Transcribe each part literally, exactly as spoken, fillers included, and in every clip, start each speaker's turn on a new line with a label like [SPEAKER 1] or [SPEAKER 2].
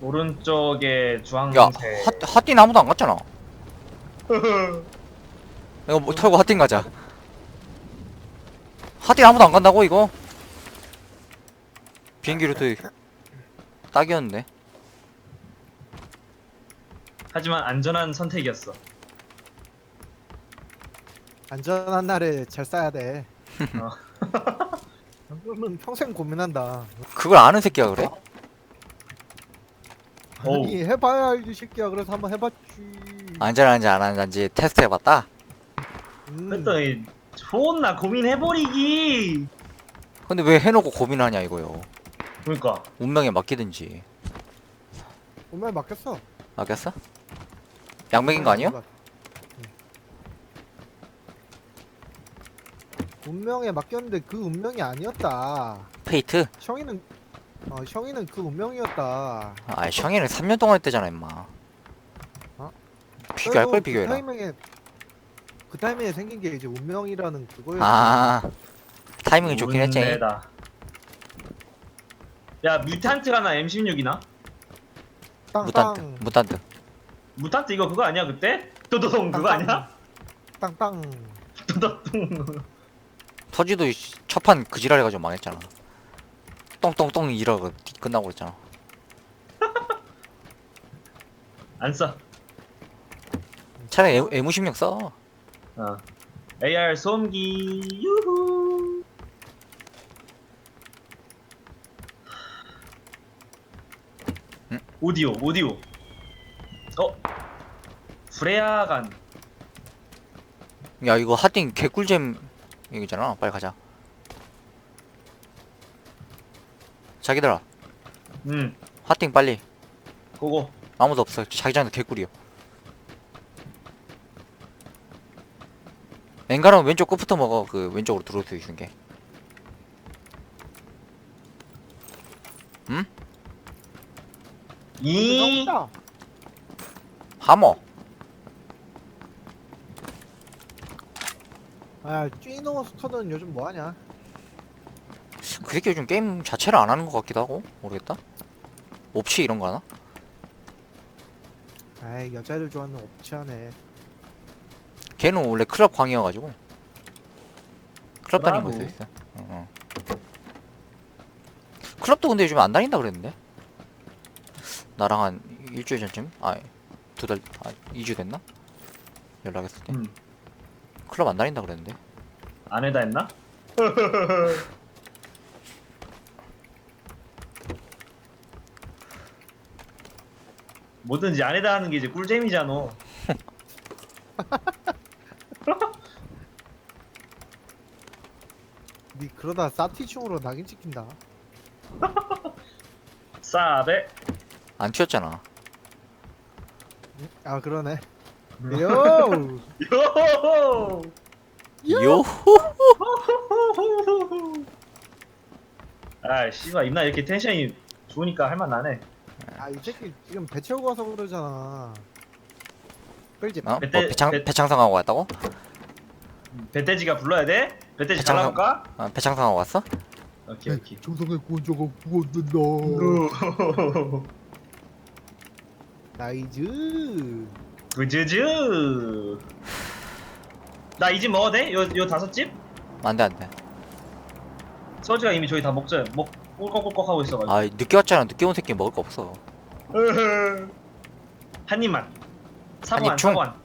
[SPEAKER 1] 오른쪽에
[SPEAKER 2] 야,
[SPEAKER 1] 주황색.
[SPEAKER 2] 핫, 핫딘 아무도 안 갔잖아. 이거 뭐 털고 핫딘 가자. 핫딘 아무도 안 간다고 이거? 비행기 루트 딱이었는데.
[SPEAKER 1] 하지만 안전한 선택이었어.
[SPEAKER 3] 안전한 날에 잘 싸야 돼.
[SPEAKER 1] 어.
[SPEAKER 3] 그러면 평생 고민한다.
[SPEAKER 2] 그걸 아는 새끼야 그래?
[SPEAKER 1] 어우.
[SPEAKER 3] 아니 해봐야 알지 새끼야. 그래서 한번 해봤지.
[SPEAKER 2] 안전한지 안 안전한지 테스트 해봤다?
[SPEAKER 3] 음.
[SPEAKER 1] 그랬더니 존나 고민해버리기.
[SPEAKER 2] 근데 왜 해놓고 고민하냐 이거요.
[SPEAKER 1] 그러니까
[SPEAKER 2] 운명에 맡기든지.
[SPEAKER 3] 운명에 맡겼어.
[SPEAKER 2] 맡겼어? 양맥인 거 아니야?
[SPEAKER 3] 운명에 맡겼는데 그 운명이 아니었다.
[SPEAKER 2] 페이트?
[SPEAKER 3] 형이는 어 형이는 그 운명이었다.
[SPEAKER 2] 아 샹이는 삼 년 동안 했대잖아 임마.
[SPEAKER 3] 어?
[SPEAKER 2] 비교할 걸
[SPEAKER 3] 그래도
[SPEAKER 2] 비교해라.
[SPEAKER 3] 그 타이밍에 그 타이밍에 생긴 게 이제 운명이라는 그거였지.
[SPEAKER 2] 아 타이밍이 좋긴 했지.
[SPEAKER 1] 운매다. 야 뮤탄트가 나 엠 십육이나?
[SPEAKER 2] 무탄트
[SPEAKER 3] 땅땅
[SPEAKER 2] 무탄트.
[SPEAKER 1] 무탄트 이거 그거 아니야 그때? 도도동 그거 아니야?
[SPEAKER 3] 땅땅.
[SPEAKER 1] 도도동.
[SPEAKER 2] 터지도 첫판 그지랄 해가지고 망했잖아. 똥똥똥 이러고 끝나고 그랬잖아.
[SPEAKER 1] 안 써.
[SPEAKER 2] 차라리 에, 에무십육 써.
[SPEAKER 1] 어. 에이알 소음기 유후.
[SPEAKER 2] 응?
[SPEAKER 1] 오디오 오디오. 어? 프레야간.
[SPEAKER 2] 야 이거 핫딩 개꿀잼 얘기잖아. 빨리 가자. 자기들아
[SPEAKER 1] 음.
[SPEAKER 2] 핫딩 빨리.
[SPEAKER 1] 고고.
[SPEAKER 2] 아무도 없어. 자기장도 개꿀이요. 엔가는 왼쪽 끝부터 먹어. 그 왼쪽으로 들어올 수 있는 게. 응?
[SPEAKER 1] 이.
[SPEAKER 3] 다
[SPEAKER 2] 하머.
[SPEAKER 3] 아 쥐노 스터는 요즘 뭐하냐?
[SPEAKER 2] 그 새끼 요즘 게임 자체를 안 하는 것 같기도 하고 모르겠다. 옵치 이런 거 하나?
[SPEAKER 3] 아이 여자를 좋아하는 옵치하네.
[SPEAKER 2] 걔는 원래 클럽 광이어가지고 클럽 다니는 거
[SPEAKER 1] 브라보.
[SPEAKER 2] 있어 있어. 어, 어. 클럽도 근데 요즘 안 다닌다 그랬는데. 나랑 한 일주일 전쯤? 아, 두 달, 아, 이 주 됐나? 연락했을 때.
[SPEAKER 1] 음.
[SPEAKER 2] 클럽 안 다닌다 그랬는데.
[SPEAKER 1] 안 해다 했나? 뭐든지 안 해다 하는 게 이제 꿀잼이잖아.
[SPEAKER 3] 니 그러다 사티충으로 낙인 찍힌다.
[SPEAKER 1] 싸베.
[SPEAKER 2] 안 튀었잖아.
[SPEAKER 3] 응? 아 그러네.
[SPEAKER 1] 음.
[SPEAKER 3] 요.
[SPEAKER 1] 요호호.
[SPEAKER 2] 요!
[SPEAKER 1] 아 씨발 임나 이렇게 텐션이 좋으니까 할만하네.
[SPEAKER 3] 아이 새끼 지금 배 채우고 와서 그러잖아. 끌지
[SPEAKER 2] 어? 뭐
[SPEAKER 1] 배때-
[SPEAKER 2] 배창,
[SPEAKER 1] 배-
[SPEAKER 2] 배창상하고 왔다고?
[SPEAKER 1] 배돼지가 불러야 돼? 배돼지
[SPEAKER 2] 배짱-
[SPEAKER 1] 잘라볼까?
[SPEAKER 2] 아, 배창상하고 왔어?
[SPEAKER 1] 오케이 오케이.
[SPEAKER 3] 조성의 구원자가 구원된다.
[SPEAKER 1] 우.
[SPEAKER 3] 나이즈.
[SPEAKER 1] 구즈즈. 나 이 집 먹어도 돼? 요, 요 다섯 집?
[SPEAKER 2] 안 돼, 안 돼.
[SPEAKER 1] 서지가 이미 저희 다 먹자. 먹 꿀꺽꿀꺽 하고 있어가지고.
[SPEAKER 2] 아, 늦게 왔잖아. 늦게 온 새끼 먹을 거 없어.
[SPEAKER 1] 한 입만.
[SPEAKER 2] 한
[SPEAKER 1] 사보안
[SPEAKER 2] 입 중.
[SPEAKER 1] 사보안.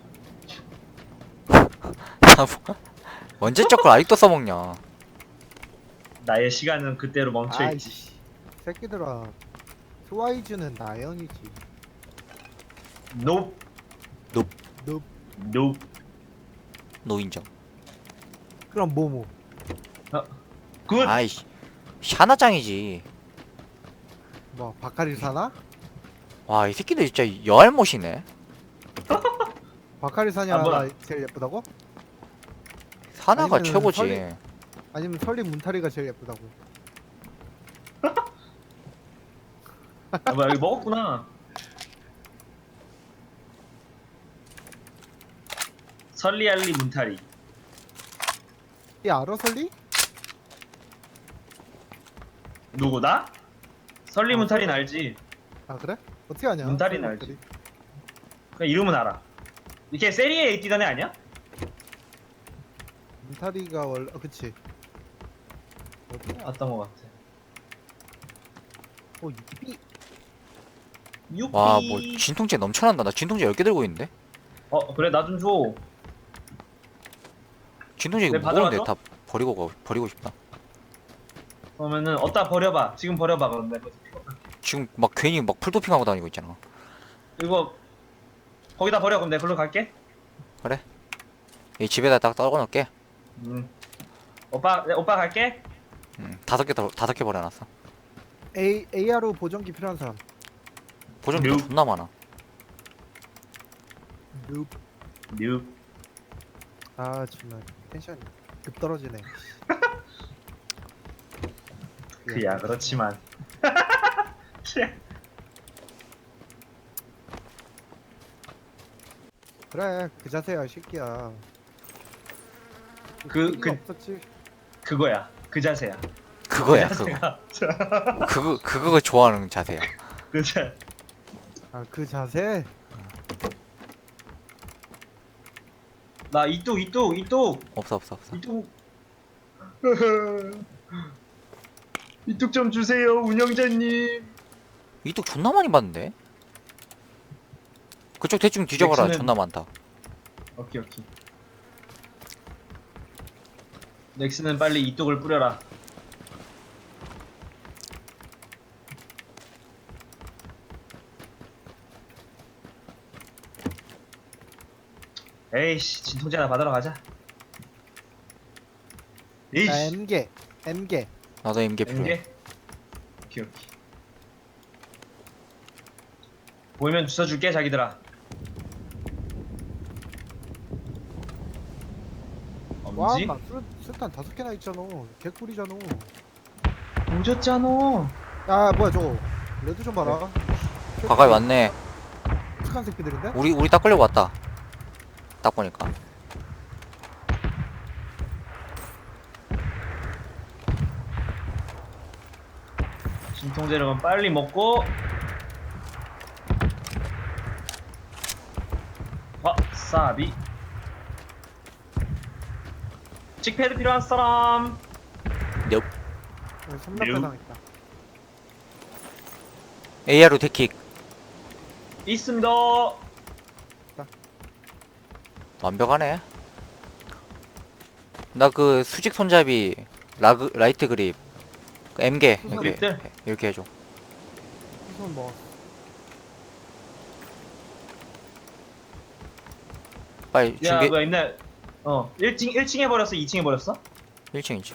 [SPEAKER 2] 언제적 걸 아직도 써먹냐.
[SPEAKER 1] 나의 시간은 그때로 멈춰있지.
[SPEAKER 3] 아이씨. 새끼들아. 트와이즈는 나연이지.
[SPEAKER 1] 노.
[SPEAKER 2] 노.
[SPEAKER 3] 너
[SPEAKER 1] 노.
[SPEAKER 2] 노인정.
[SPEAKER 3] 그럼 뭐뭐?
[SPEAKER 1] 굿.
[SPEAKER 2] 아이씨. 샤나짱이지.
[SPEAKER 3] 뭐 바카리 사나?
[SPEAKER 2] 와, 이 새끼들 진짜 여알못이네.
[SPEAKER 3] 바카리 사냐
[SPEAKER 1] 아, 뭐야.
[SPEAKER 3] 제일 예쁘다고?
[SPEAKER 2] 사나가
[SPEAKER 3] 아니면은
[SPEAKER 2] 최고지.
[SPEAKER 3] 설리- 아니면 설리 문타리가 제일 예쁘다고?
[SPEAKER 1] 아, 뭐야 여기 먹었구나. 설리알리 문타리.
[SPEAKER 3] 이 알아 설리?
[SPEAKER 1] 누구 나? 설리
[SPEAKER 3] 어,
[SPEAKER 1] 문타리는
[SPEAKER 3] 설리.
[SPEAKER 1] 알지.
[SPEAKER 3] 아 그래? 어떻게 하냐?
[SPEAKER 1] 문다리는 알지. 그냥 이름은 알아. 이게 세리에 A 뛰던 애 아니야?
[SPEAKER 3] 문다리가 원래 어, 그치. 어디야?
[SPEAKER 1] 봤던 것 같아.
[SPEAKER 3] 어 이삐.
[SPEAKER 1] 유삐.
[SPEAKER 2] 와 뭐 진통제 넘쳐난다. 나 진통제 열 개 들고 있는데.
[SPEAKER 1] 어 그래 나 좀 줘.
[SPEAKER 2] 진통제 이거
[SPEAKER 1] 내
[SPEAKER 2] 무거운데
[SPEAKER 1] 받아가죠?
[SPEAKER 2] 다 버리고 가, 버리고 싶다.
[SPEAKER 1] 그러면은 어디다 버려봐. 지금 버려봐 그럼 내가
[SPEAKER 2] 지금 막 괜히 막 풀도핑하고 다니고 있잖아.
[SPEAKER 1] 이거 거기다 버려. 그럼 내가 글로 갈게.
[SPEAKER 2] 그래? 이 집에다 딱 떨궈놓을게.
[SPEAKER 1] 음. 오빠 네, 오빠 갈게.
[SPEAKER 2] 음, 다섯 개 더- 다섯 개 버려놨어.
[SPEAKER 3] A 에이아르 보정기 필요한 사람.
[SPEAKER 2] 보정기도
[SPEAKER 1] 뮤.
[SPEAKER 2] 존나 많아.
[SPEAKER 3] 눕.
[SPEAKER 1] 뉴.
[SPEAKER 3] 아 정말 텐션이 급 떨어지네.
[SPEAKER 1] 그야 그렇지만.
[SPEAKER 3] 그래 그 자세야 이 새끼야.
[SPEAKER 1] 그-
[SPEAKER 3] 그
[SPEAKER 1] 그-
[SPEAKER 3] 없었지.
[SPEAKER 1] 그거야. 그 자세야.
[SPEAKER 2] 그거야
[SPEAKER 1] 그
[SPEAKER 2] 그거.
[SPEAKER 1] 자세가.
[SPEAKER 2] 그거 그거 좋아하는 자세야.
[SPEAKER 1] 그 자.
[SPEAKER 3] 아 그 자세.
[SPEAKER 1] 나 이뚝 이뚝 이뚝
[SPEAKER 2] 없어 없어 없어.
[SPEAKER 1] 이뚝. 이뚝 좀 주세요 운영자님.
[SPEAKER 2] 이뚝 존나 많이 봤는데. 그쪽 대충 뒤져봐라.
[SPEAKER 1] 넥슨은-
[SPEAKER 2] 존나 많다.
[SPEAKER 1] 오케이 오케이. 넥슨은 빨리 이뚝을 뿌려라. 에이씨 진통제 하나 받으러 가자.
[SPEAKER 3] 자
[SPEAKER 1] 에이씨
[SPEAKER 3] M개 M개.
[SPEAKER 2] 나도 임계 필요해.
[SPEAKER 1] 엠게. 오케이 오케이. 보이면 주워줄게 자기들아. 엄지?
[SPEAKER 3] 와막 술탄 다섯 개나 있잖아. 개꿀이잖아.
[SPEAKER 1] 오졌잖아.
[SPEAKER 3] 야 뭐야 저거. 레드 좀 봐라.
[SPEAKER 2] 가까이 왔네.
[SPEAKER 3] 착한 새끼들인데?
[SPEAKER 2] 우리 우리 딱 끌려고 왔다. 딱 보니까.
[SPEAKER 1] 진통제를 그럼 빨리 먹고. 와사비. 칙패드 필요한 사람.
[SPEAKER 2] 넵.
[SPEAKER 3] 삼각대
[SPEAKER 1] 매우-
[SPEAKER 3] 당했다.
[SPEAKER 2] 에이아르 데킥.
[SPEAKER 1] 있습니다.
[SPEAKER 2] 완벽하네. 나 그 수직 손잡이 라그 라이트 그립 그 M개
[SPEAKER 3] 수직
[SPEAKER 2] 이렇게
[SPEAKER 1] 그립들?
[SPEAKER 2] 이렇게 해줘.
[SPEAKER 3] 우선 뭐
[SPEAKER 2] 빨리
[SPEAKER 1] 야
[SPEAKER 2] 준비.
[SPEAKER 1] 뭐야 있네. 어 일 층 일 층에 버렸어 이 층에 버렸어?
[SPEAKER 2] 일 층이지.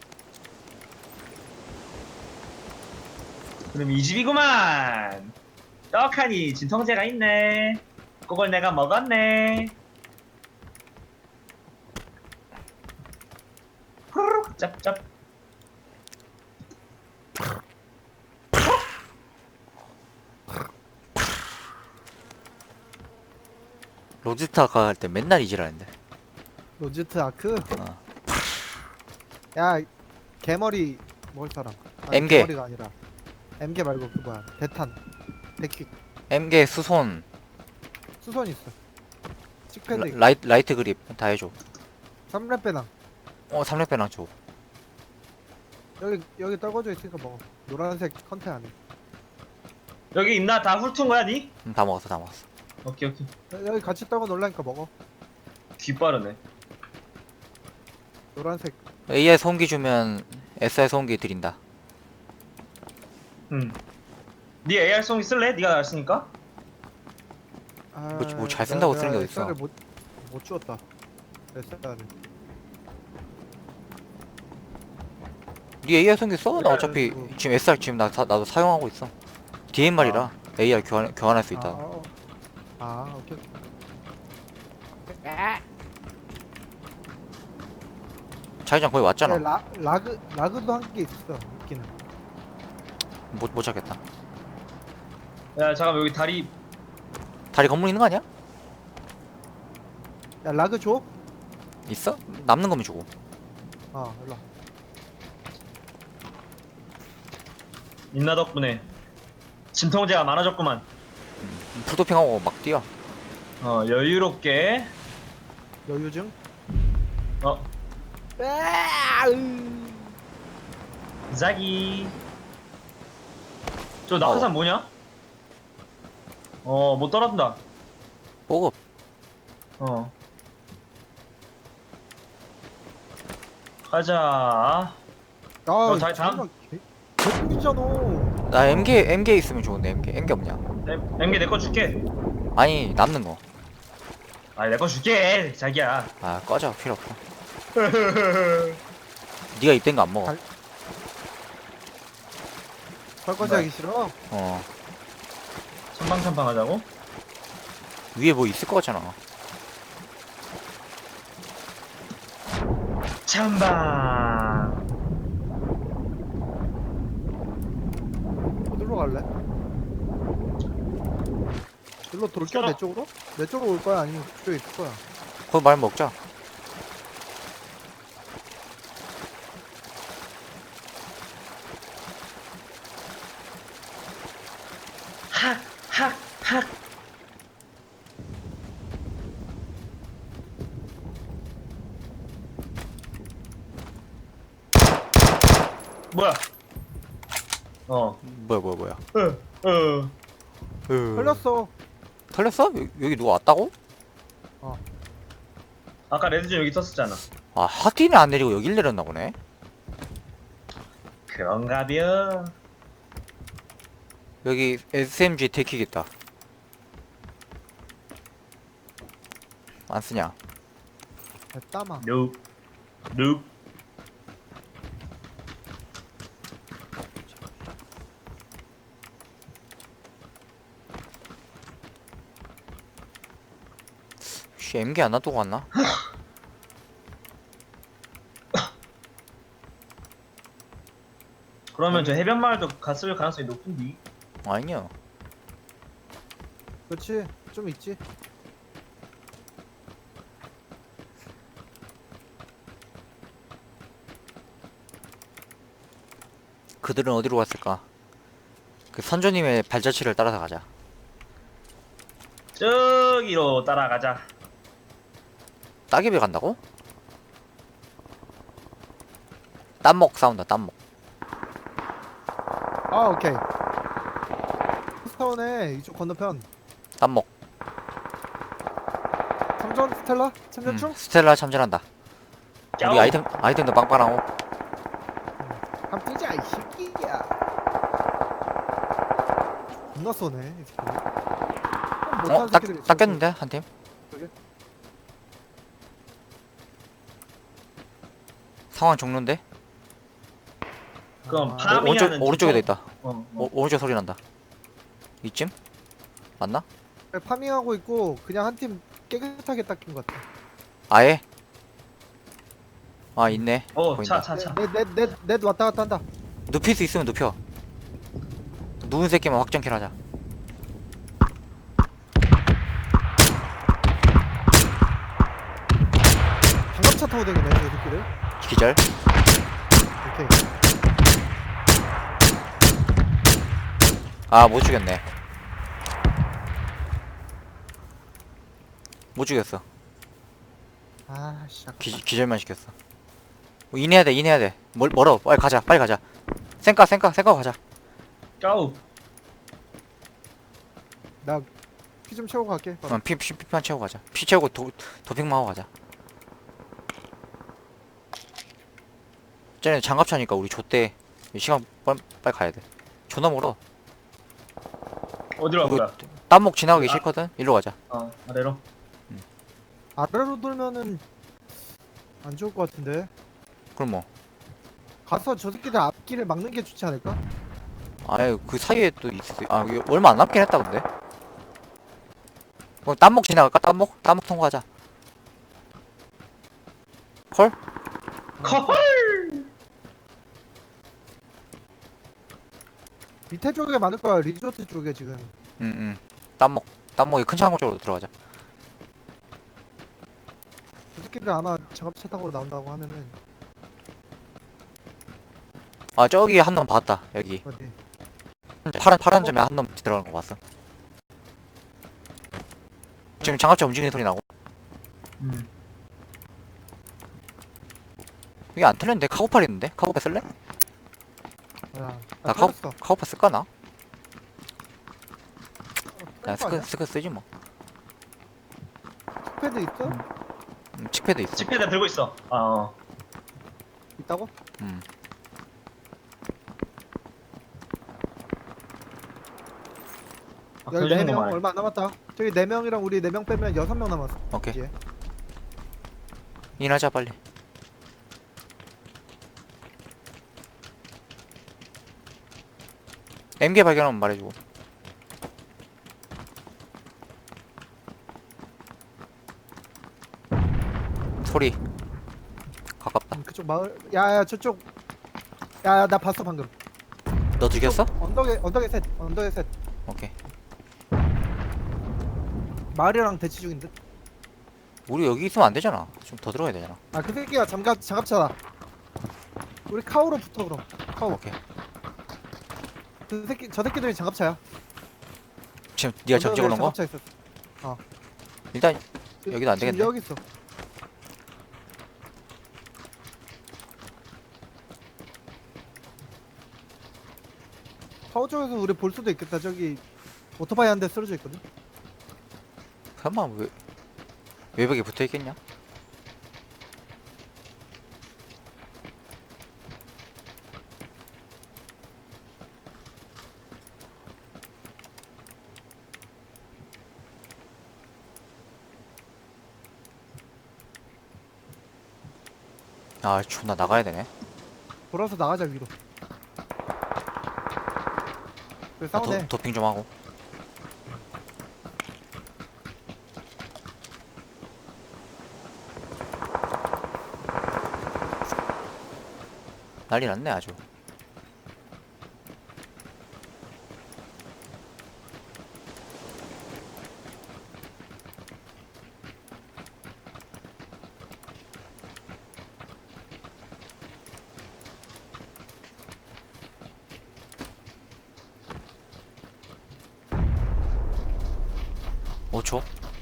[SPEAKER 1] 그럼 이 집이구만. 떡하니 진통제가 있네. 그걸 내가 먹었네. 후루룩 짭짭.
[SPEAKER 2] 로지스타 갈 때 맨날 이질하는데.
[SPEAKER 3] 로지트 아크.
[SPEAKER 2] 어.
[SPEAKER 3] 야 개머리 먹을 사람. 아니,
[SPEAKER 2] M개.
[SPEAKER 3] 개머리가 아니라 M개 말고 그 뭐야 대탄 대킥
[SPEAKER 2] M개 수손
[SPEAKER 3] 수선 있어. 칙패드
[SPEAKER 2] 라,
[SPEAKER 3] 있고
[SPEAKER 2] 라이, 라이트 그립 다 해줘.
[SPEAKER 3] 삼렙 배낭.
[SPEAKER 2] 어 삼렙 배낭 줘.
[SPEAKER 3] 여기 여기 떨궈져 있으니까 먹어. 노란색 컨테 안에.
[SPEAKER 1] 여기 있나? 다 훑은 거야 니?
[SPEAKER 2] 음, 다 먹었어 다 먹었어.
[SPEAKER 1] 오케이 오케이.
[SPEAKER 3] 여- 여기 같이 떨궈 놓으려니까 먹어.
[SPEAKER 1] 귀 빠르네.
[SPEAKER 3] 노란색.
[SPEAKER 2] 에이아이 소음기 주면 에스아이 소음기 드린다.
[SPEAKER 1] 응. 니 에이알 송 쓸래? 니가 날 쓰니까?
[SPEAKER 3] 아,
[SPEAKER 2] 뭐- 뭐잘 쓴다고
[SPEAKER 3] 내가-
[SPEAKER 2] 쓰는 게
[SPEAKER 3] 내가
[SPEAKER 2] 어딨어.
[SPEAKER 3] 에스알을 못, 못 주었다. 에스알을.
[SPEAKER 2] 네 에이아이 소음기 써? 나
[SPEAKER 1] 그래,
[SPEAKER 2] 어차피
[SPEAKER 3] 그거.
[SPEAKER 2] 지금 에스알 지금 나 다, 나도 사용하고 있어. 디엠알이라 에이아이 교환 교환할 수 있다.
[SPEAKER 3] 아, 어. 아 오케이. 오케이.
[SPEAKER 2] 자기장 거의 왔잖아.
[SPEAKER 3] 야, 라, 라그 라그도 한 개 있어. 있기는.
[SPEAKER 2] 못, 못 찾겠다.
[SPEAKER 1] 야 잠깐만 여기 다리.
[SPEAKER 2] 다리 건물 있는 거 아니야?
[SPEAKER 3] 야 라그 줘?
[SPEAKER 2] 있어? 남는 거면 주고.
[SPEAKER 3] 아 일로.
[SPEAKER 1] 인나 덕분에 진통제가 많아졌구만.
[SPEAKER 2] 풀도핑하고 막 뛰어.
[SPEAKER 1] 어 여유롭게.
[SPEAKER 3] 여유증?
[SPEAKER 1] 어
[SPEAKER 3] 아, 으.
[SPEAKER 1] 자기. 저 낙하산 뭐냐? 어 못 떨어진다.
[SPEAKER 2] 보급.
[SPEAKER 1] 어 가자. 어, 다- 다음.
[SPEAKER 3] 개꿀이잖아.
[SPEAKER 2] 나 엠게 엠게 있으면 좋은데 엠게 엠게 없냐?
[SPEAKER 1] 엠게 내 거 줄게.
[SPEAKER 2] 아니 남는 거.
[SPEAKER 1] 아 내 거 줄게 자기야.
[SPEAKER 2] 아 꺼져 필요 없어. 네가 입된 거 안 먹어.
[SPEAKER 3] 갈- 설거지
[SPEAKER 1] 네.
[SPEAKER 3] 하기 싫어?
[SPEAKER 2] 어
[SPEAKER 1] 선방선방 하자고?
[SPEAKER 2] 위에 뭐 있을 거 같잖아.
[SPEAKER 1] 찬방.
[SPEAKER 3] 어디로 갈래? 일로 돌겨
[SPEAKER 1] 싫어.
[SPEAKER 3] 내 쪽으로? 내 쪽으로 올 거야 아니면 그쪽에 있을 거야?
[SPEAKER 2] 거기 말 먹자.
[SPEAKER 1] 학학학. 뭐야? 어.
[SPEAKER 2] 뭐야 뭐야 뭐야.
[SPEAKER 1] 어. 어.
[SPEAKER 2] 으...
[SPEAKER 3] 걸렸어.
[SPEAKER 2] 털렸어? 여기, 여기 누가 왔다고?
[SPEAKER 1] 아까 레드존 여기 있었잖아.
[SPEAKER 2] 아 하틴이 안 내리고 여길 내렸나 보네.
[SPEAKER 1] 그런가벼.
[SPEAKER 2] 여기 에스엠지 데킥 있다. 안 쓰냐?
[SPEAKER 3] 야, 따마.
[SPEAKER 1] 룩. 룩.
[SPEAKER 2] 씨 엠게 안 놔두고 왔나?
[SPEAKER 1] 그러면 저 해변 마을도 갔을 가능성이 높은데.
[SPEAKER 2] 아니야.
[SPEAKER 3] 그렇지. 좀 있지.
[SPEAKER 2] 그들은 어디로 갔을까? 그 선조님의 발자취를 따라서 가자.
[SPEAKER 1] 저기로 따라가자.
[SPEAKER 2] 따개비 간다고? 땀먹 싸운다 땀먹.
[SPEAKER 3] 아 오케이. 스타운에 이쪽 건너편.
[SPEAKER 2] 땀먹.
[SPEAKER 3] 참전 스텔라?
[SPEAKER 2] 음,
[SPEAKER 3] 참전 중?
[SPEAKER 2] 스텔라 참전한다. 우리
[SPEAKER 1] 짜오.
[SPEAKER 2] 아이템 아이템도 빵빵하고.
[SPEAKER 3] 함 뛰자 이 새끼야. 겁나 쏘네 이 새끼. 못하는
[SPEAKER 2] 어? 딱,
[SPEAKER 3] 새끼들이 있어.
[SPEAKER 2] 닦였는데 한 팀?
[SPEAKER 3] 그래?
[SPEAKER 2] 상황 종료인데?
[SPEAKER 1] 그럼
[SPEAKER 3] 아,
[SPEAKER 1] 파-
[SPEAKER 2] 오, 오른쪽,
[SPEAKER 1] 파밍하는
[SPEAKER 2] 오른쪽에도
[SPEAKER 1] 지점?
[SPEAKER 2] 있다.
[SPEAKER 1] 어, 어.
[SPEAKER 2] 오, 오른쪽 소리 난다. 이쯤? 맞나?
[SPEAKER 3] 그래, 파밍하고 있고 그냥 한 팀 깨끗하게 닦인 것 같아.
[SPEAKER 2] 아예? 아 있네.
[SPEAKER 1] 어,
[SPEAKER 2] 보인다.
[SPEAKER 1] 차, 차, 차.
[SPEAKER 3] 넷넷넷넷 왔다 갔다 한다.
[SPEAKER 2] 눕힐 수 있으면 눕혀. 누운 새끼만 확정킬 하자.
[SPEAKER 3] 장갑차 타고 다니네 저 새끼들.
[SPEAKER 2] 기절.
[SPEAKER 3] 오케이.
[SPEAKER 2] 아 못 죽였네. 못 죽였어.
[SPEAKER 3] 아씨.
[SPEAKER 2] 기, 기절만 시켰어. 뭐 인해야 돼 인해야 돼. 멀, 멀어. 빨리 가자 빨리 가자. 쌩까 쌩까 쌩까 가자.
[SPEAKER 1] 까우.
[SPEAKER 3] 나피 좀 채우고 갈게. 바로.
[SPEAKER 2] 어, 피, 피, 피만 채우고 가자. 피 채우고 도, 도핑만 하고 가자. 쟤네 장갑차니까 우리 좆대. 시간 빨리, 빨리 가야 돼. 존나 멀어.
[SPEAKER 1] 어디로 갈
[SPEAKER 2] 이거
[SPEAKER 1] 거야?
[SPEAKER 2] 땀목 지나가기
[SPEAKER 1] 아.
[SPEAKER 2] 싫거든. 일로 가자.
[SPEAKER 1] 어, 아래로.
[SPEAKER 3] 아래로 돌면은 안 좋을 것 같은데.
[SPEAKER 2] 그럼 뭐.
[SPEAKER 3] 가서 저 새끼들 앞길을 막는 게 좋지 않을까?
[SPEAKER 2] 아예 그 사이에 또 있어. 아 이게 얼마 안 남긴 했다 근데. 그럼 땀목 지나갈까? 땀목? 땀목 통과하자. 콜?
[SPEAKER 1] 컬.
[SPEAKER 3] 밑에 쪽에 많을 거야. 리조트 쪽에 지금.
[SPEAKER 2] 응응. 땀목. 땀목이 큰 창고 쪽으로 들어가자.
[SPEAKER 3] 저 새끼들 아마 장갑차 타고 나온다고 하면은
[SPEAKER 2] 아 저기 한 놈 봤다. 여기.
[SPEAKER 3] 어디?
[SPEAKER 2] 파란 파란 점에 한 놈 들어가는 거 봤어. 지금 장갑차 움직이는 소리 나고.
[SPEAKER 1] 음.
[SPEAKER 2] 이게 안 틀렸는데 카고팔 있는데? 카고팔 쓸래?
[SPEAKER 3] 야,
[SPEAKER 2] 나
[SPEAKER 3] 나
[SPEAKER 2] 카고
[SPEAKER 3] 터졌어.
[SPEAKER 2] 카고팔 쓸까 나? 야
[SPEAKER 3] 거
[SPEAKER 2] 스크
[SPEAKER 3] 아니야?
[SPEAKER 2] 스크 쓰지 뭐.
[SPEAKER 3] 패드 있어?
[SPEAKER 1] 음.
[SPEAKER 2] 음, 칙패드 있어.
[SPEAKER 1] 칙패드 들고 있어. 아, 어.
[SPEAKER 3] 있다고?
[SPEAKER 2] 음.
[SPEAKER 1] 아,
[SPEAKER 3] 여기 네 명
[SPEAKER 1] 켜주는구만.
[SPEAKER 3] 얼마 안 남았다. 저기 네 명이랑 우리 네 명 빼면 여섯 명 남았어.
[SPEAKER 2] 오케이.
[SPEAKER 3] 이제.
[SPEAKER 2] 인하자 빨리. 엠게 발견하면 말해주고. 소리 가깝다.
[SPEAKER 3] 음, 그쪽 마을. 야야 저쪽. 야야 나 봤어 방금.
[SPEAKER 2] 너 죽였어?
[SPEAKER 3] 언덕에 언덕에 셋. 언덕에 셋.
[SPEAKER 2] 오케이.
[SPEAKER 3] 마을이랑 대치 중인 듯.
[SPEAKER 2] 우리 여기 있으면 안 되잖아. 좀 더 들어가야 되잖아.
[SPEAKER 3] 아 그 새끼가 장갑 장갑차다. 우리 카우로 붙어 그럼. 카우.
[SPEAKER 2] 오케이.
[SPEAKER 3] 그 새끼 저 새끼들이 장갑차야.
[SPEAKER 2] 지금 네가 적 찍어놓은 거?
[SPEAKER 3] 장갑차 있었어.
[SPEAKER 2] 일단 여기도 안
[SPEAKER 3] 지금
[SPEAKER 2] 되겠네.
[SPEAKER 3] 여기 있어. 카우 쪽에서 우리 볼 수도 있겠다. 저기 오토바이 한 대 쓰러져 있거든.
[SPEAKER 2] 설마 왜 외벽에 붙어 있겠냐? 아 존나 나가야 되네.
[SPEAKER 3] 돌아서 나가자 위로. 그래
[SPEAKER 2] 나
[SPEAKER 3] 싸우네.
[SPEAKER 2] 도, 도핑 좀 하고. 난리 났네 아주. 오 초.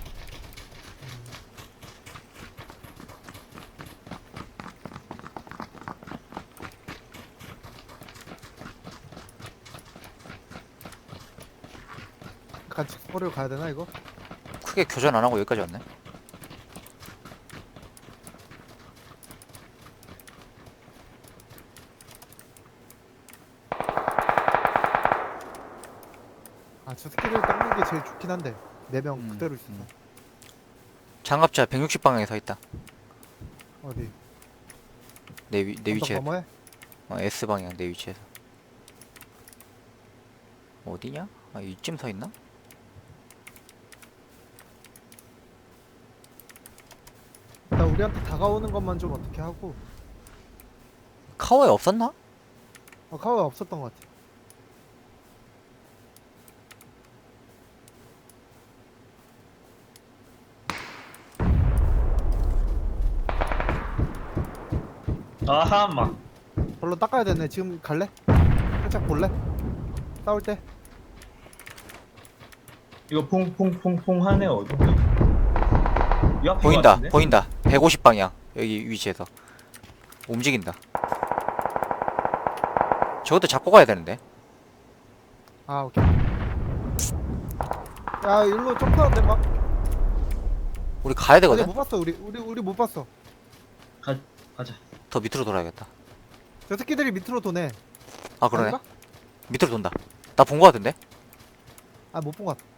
[SPEAKER 3] 같이 스포를 가야 되나 이거?
[SPEAKER 2] 크게 교전 안 하고 여기까지 왔네.
[SPEAKER 3] 아 저 새끼를 닦는 게 제일 좋긴 한데 네 명
[SPEAKER 2] 음,
[SPEAKER 3] 그대로 있어.
[SPEAKER 2] 음. 장갑차 백육십 방향에 서 있다.
[SPEAKER 3] 어디?
[SPEAKER 2] 내, 위, 내
[SPEAKER 3] 언덕
[SPEAKER 2] 위치에.
[SPEAKER 3] 너머에?
[SPEAKER 2] 어, S 방향 내 위치에서. 어디냐? 아 이쯤 서 있나?
[SPEAKER 3] 나 우리한테 다가오는 것만 좀 어떻게 하고.
[SPEAKER 2] 카오에 없었나?
[SPEAKER 3] 어 카우가 없었던 것 같아.
[SPEAKER 1] 아하, 막.
[SPEAKER 3] 별로 닦아야 되네. 지금 갈래? 살짝 볼래? 싸울 때?
[SPEAKER 1] 이거 퐁퐁퐁퐁 하네, 어디? 이 앞인 것
[SPEAKER 2] 보인다
[SPEAKER 1] 같은데?
[SPEAKER 2] 보인다. 백오십 방향 여기 위치에서 움직인다. 저것도 잡고 가야 되는데.
[SPEAKER 3] 아 오케이. 야 일로 점프하는데 막.
[SPEAKER 2] 우리 가야
[SPEAKER 3] 어디
[SPEAKER 2] 되거든?
[SPEAKER 3] 못 봤어. 우리 우리 우리 못 봤어.
[SPEAKER 1] 가, 가자.
[SPEAKER 2] 더 밑으로 돌아야겠다.
[SPEAKER 3] 저 새끼들이 밑으로 도네.
[SPEAKER 2] 아 그러네.
[SPEAKER 3] 아닌가?
[SPEAKER 2] 밑으로 돈다. 나 본 거 같은데?
[SPEAKER 3] 아 못 본 것 같아.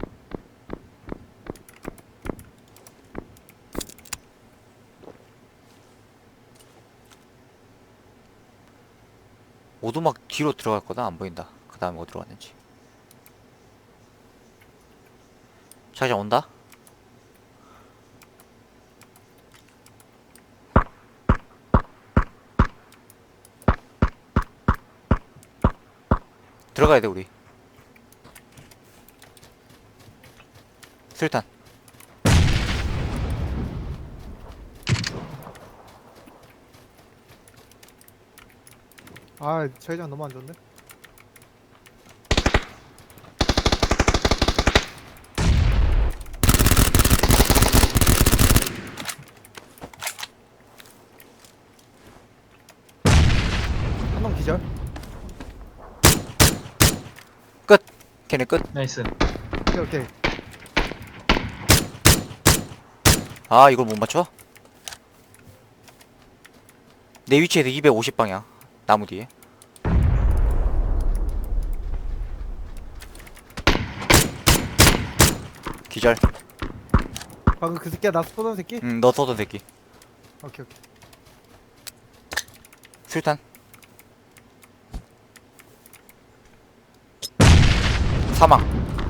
[SPEAKER 2] 오두막 뒤로 들어갈 거다. 안 보인다. 그 다음에 어디로 갔는지. 자기장 온다? 들어가야 돼 우리. 술탄.
[SPEAKER 3] 아 저희장 너무 안 좋은데?
[SPEAKER 2] 끝. 걔네 끝.
[SPEAKER 1] 나이스.
[SPEAKER 3] 오케이 오케이.
[SPEAKER 2] 아 이걸 못 맞춰? 내 위치에서 이백오십 방향 나무 뒤에. 기절.
[SPEAKER 3] 방금 그 새끼야 나 쏘던 새끼?
[SPEAKER 2] 응, 너 쏘던 새끼.
[SPEAKER 3] 오케이 오케이.
[SPEAKER 2] 술탄. 사망.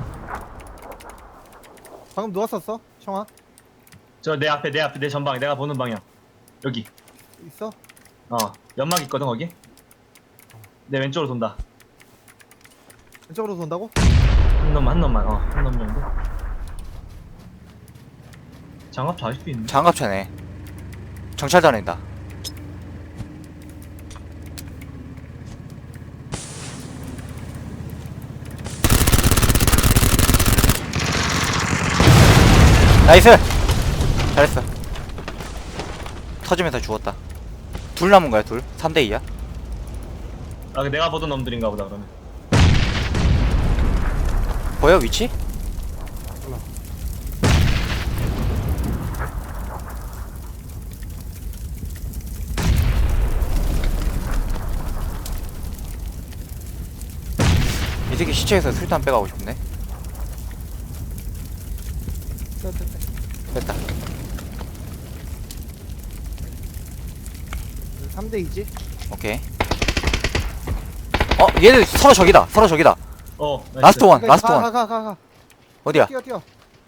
[SPEAKER 3] 방금 누가 쐈어? 청아?
[SPEAKER 1] 저 내 앞에 내 앞에 내 전방 내가 보는 방향. 여기.
[SPEAKER 3] 있어?
[SPEAKER 1] 어 연막 있거든 거기. 내 왼쪽으로 돈다.
[SPEAKER 3] 왼쪽으로 돈다고?
[SPEAKER 1] 한 놈만 한 놈만 어한 놈 정도. 장갑 잘 수 있네.
[SPEAKER 2] 장갑차네. 정찰 다닌다. 나이스! 잘했어. 터지면서 죽었다. 둘 남은 거야, 둘. 삼 대 이야.
[SPEAKER 1] 아 내가 보던 놈들인가 보다 그러면.
[SPEAKER 2] 보여, 위치?
[SPEAKER 3] 몰라.
[SPEAKER 2] 이 새끼 시체에서 술탄 빼가고 싶네.
[SPEAKER 3] 떼, 떼, 떼.
[SPEAKER 2] 뺐다.
[SPEAKER 3] 삼 대 이지?
[SPEAKER 2] 오케이. 어, 얘들 서로 적이다. 서로 적이다.
[SPEAKER 1] 어 나이스.
[SPEAKER 2] 라스트 원, 라스트 원.
[SPEAKER 3] 가가 가 가.
[SPEAKER 2] 어디야?
[SPEAKER 3] 뛰어 뛰어.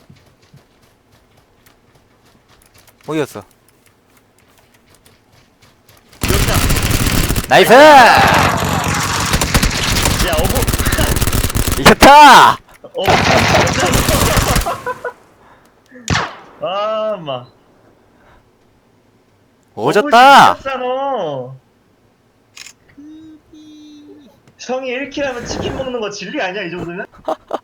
[SPEAKER 2] 어디였어?
[SPEAKER 1] 기억나.
[SPEAKER 2] 나이스!
[SPEAKER 1] 야 어부.
[SPEAKER 2] 이겼다!
[SPEAKER 1] 어. 아, 마.
[SPEAKER 2] 오졌다!
[SPEAKER 1] 너. 형이 일 킬 하면 치킨 먹는 거 진리 아니야, 이 정도면?